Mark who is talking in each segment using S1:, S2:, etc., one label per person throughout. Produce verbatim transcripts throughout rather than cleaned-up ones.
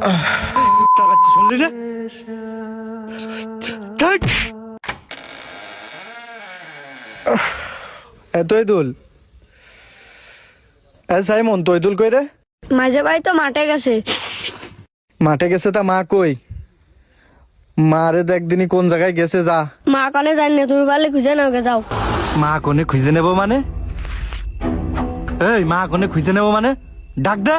S1: শুনলি না? তৈদুল সাইমন তৈদুল কই রে?
S2: মাঝে ভাই তো মাঠে গেছে।
S1: মাঠে গেছে? তা মা কই? মারে তো একদিনই কোন জায়গায় গেছে। যা
S2: মা কনে জানি না, তুমি পারলে খুঁজে নাও গে, যাও।
S1: মা কোনে খুঁজে নেব মানে? এই মা কোনে খুঁজে নেব মানে? ডাক দে।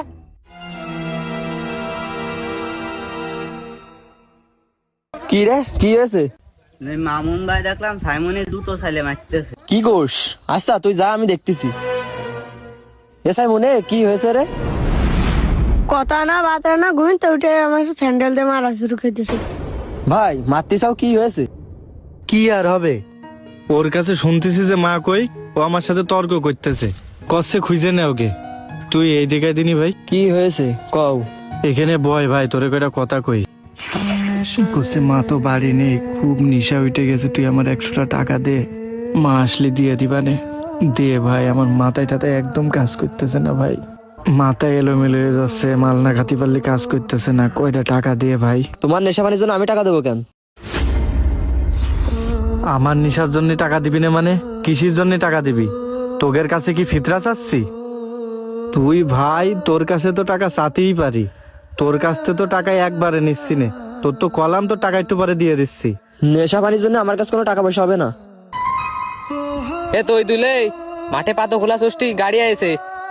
S3: কি রে, কি হয়েছে?
S4: মামুন ভাই দেখলাম সাইমনের জুতো ছাইলে মারতেছে।
S3: কি কোষ? আচ্ছা তুই যা, আমি দেখতেছি। এ সাইমনে কি হয়েছে রে?
S2: কথা না বাতা না, ঘুমিতে উঠে আমার স্যান্ডেল দিয়ে মারা শুরু করতেছে।
S3: ভাই মারতে চাও, কি হয়েছে?
S1: কি আর হবে, ওর কাছে শুনতেছি যে মা কই, ও আমার সাথে তর্ক করতেছে, কষ্টে খুঁজে নে ওকে। তুই এই দিকে দিনি ভাই।
S3: কি হয়েছে কও?
S1: এখানে বয় ভাই, তোরে কয়টা কথা কই। করছে মা তো বাড়ি নেই, খুব নিশা উঠে গেছে, তুই আমার একশোটা টাকা দে, মা আসলে দিয়ে দিবানে। দে ভাই, আমার মাথায় টাথায় একদম কাজ করতেছে না ভাই, মাথায় এলোমেলো হয়ে যাচ্ছে, মাল না খাতি পারলে কাজ করতেছে না, কয়টা টাকা দিয়ে ভাই।
S3: তোমার নেশা পানির জন্য আমি টাকা দেবো কেন?
S1: আমার নেশার জন্য টাকা দিবি না মানে? কিসের জন্য টাকা দিবি? তোগের কাছে কি ফিতরা চাচ্ছি? তুই ভাই, তোর কাছে তো টাকা চাতেই পারি, তোর কাছ থেকে তো টাকা একবারে নিচ্ছি নে, তোর তো কলাম, তো টাকা একটু পরে দিয়ে দিচ্ছি।
S3: নেশা পানির জন্য আমার কাছে কোনো টাকা পয়সা হবে না।
S5: এ তুই দুলে মাঠে পাতো খোলা ষষ্ঠী গাড়ি আইছে।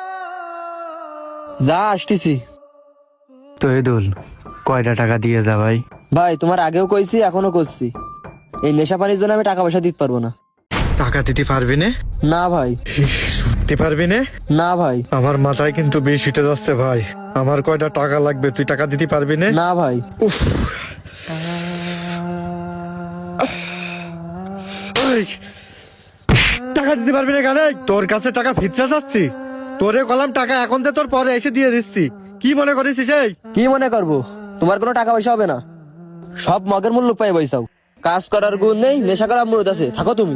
S3: যা আসতেছি।
S1: তো এদুল, কয়টা টাকা দিয়ে যা ভাই।
S3: ভাই তোমার আগেও কইছি, এখনো করছি, এই নেশা পানির জন্য আমি টাকা পয়সা দিতে পারবো না।
S1: টাকা দিতে পারবি না?
S3: না ভাই।
S1: দিতে পারবি না?
S3: না ভাই।
S1: আমার মাথায় কিন্তু বেশ উঠে যাচ্ছে ভাই, আমার কয়টা টাকা লাগবে, তুই টাকা দিতে পারবি না?
S3: না ভাই।
S1: উফ, এই, টাকা দিতে পারবি না কেন? তোর কাছে টাকা ফিতরা যাচ্ছি, তোরে কলাম টাকা এখন তো তোর পরে এসে দিয়ে দিচ্ছি, কি মনে করিস? সেই
S3: কি মনে করবো? তোমার কোনো টাকা পয়সা হবে না, সব মগের মূল্য পাই বইসাও। কাজ করার গুণ নেই, নেশা করার মুরত আছে, থাকো তুমি।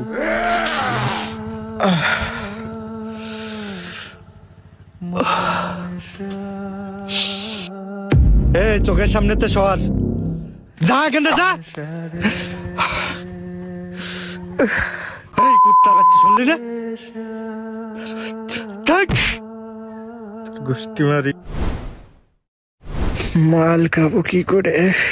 S1: এ চোখের সামনে তো সর, যা কেন যা। এই কুত্তা বাচ্চা, শুনলি না? গোষ্ঠী মারি, মাল খাবো কি করে?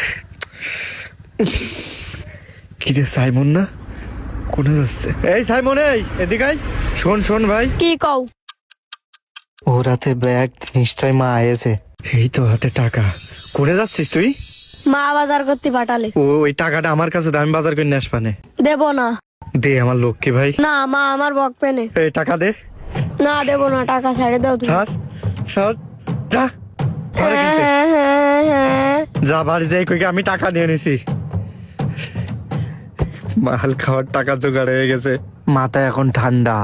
S1: কিরে সাইমন না, কোনে যাচ্ছে? এই সাইমন, এই এদিকে আয়। শোন শোন ভাই,
S2: কি কও?
S1: ওর হাতে ব্যাগ, নিশ্চয় মা আয়েছে। এই তো হাতে টাকা, করে যাচ্ছিস তুই?
S2: মা বাজার করতে পাঠালে।
S1: ও ওই টাকাটা আমার কাছে, দামি বাজার করে নিয়ে আসবানে।
S2: দেব না।
S1: দে আমার লক্ষ্মী ভাই।
S2: না, মা আমার বকবে না।
S1: এই টাকা দে।
S2: না দেব না, টাকা ছেড়ে দাও তুমি।
S1: ছাড় ছাড়, যা ঘরে
S2: হ্যাঁ,
S1: কিনতে।
S2: হ্যাঁ, হ্যাঁ, হ্যাঁ।
S1: যা বাড়ি যাই, কই আমি টাকা নিয়ে নিছি, মাল খাওয়ার টাকা জোগাড় হয়ে গেছে, মাথা এখন ঠান্ডা।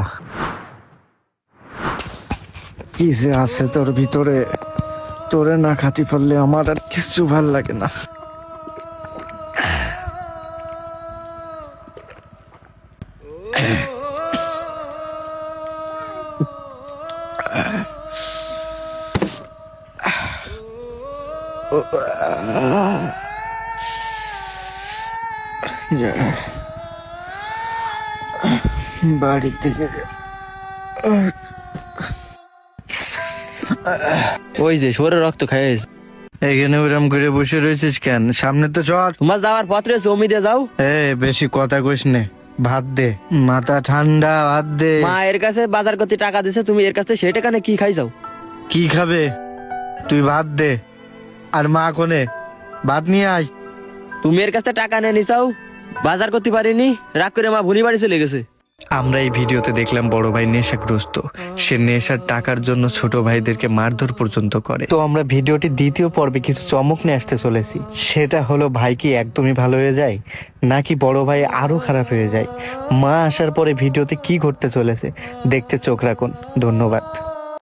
S1: কি যে আছে তোর ভিতরে, তোরে না খাতি পারলে আমার আর কিছু ভাল লাগে না। বাড়ি থেকে
S3: ওই যে শরীরে রক্ত খাইয়েছে।
S1: এখানে ওরম করে বসে রয়েছিস কেন? সামনে তো চল।
S3: তোমার যাওয়ার পত্রে জমি দিয়ে যাও।
S1: এ বেশি কথা কইস নে, ভাত দে, মাথা ঠান্ডা, ভাত দে।
S3: মা এর কাছে বাজার করতে টাকা দিছে, তুমি এর কাছে সেই টাকা নিয়ে কি খাই যাও?
S1: কি খাবে? তুই ভাত দে। আর মা কোনে? ভাত নিয়ে আয়।
S3: তুমি এর কাছে টাকা নিয়ে নিছাও, বাজার করতে পারিনি, রাগ করে মা ভুনি বাড়ি চলে গেছে।
S1: আমরা এই ভিডিওতে দেখলাম বড় ভাই নেশাগ্রস্ত, সে নেশার টাকার জন্য ছোট ভাইদেরকে মারধর পর্যন্ত করে। তো আমরা ভিডিওটি দ্বিতীয় পর্বে কিছু চমক নিয়ে আসতে চলেছি, সেটা হলো ভাই কি একদমই ভালো হয়ে যায়, নাকি বড় ভাই আরো খারাপ হয়ে যায়। মা আসার পরে ভিডিওতে কি ঘটতে চলেছে দেখতে চোখ রাখুন। ধন্যবাদ।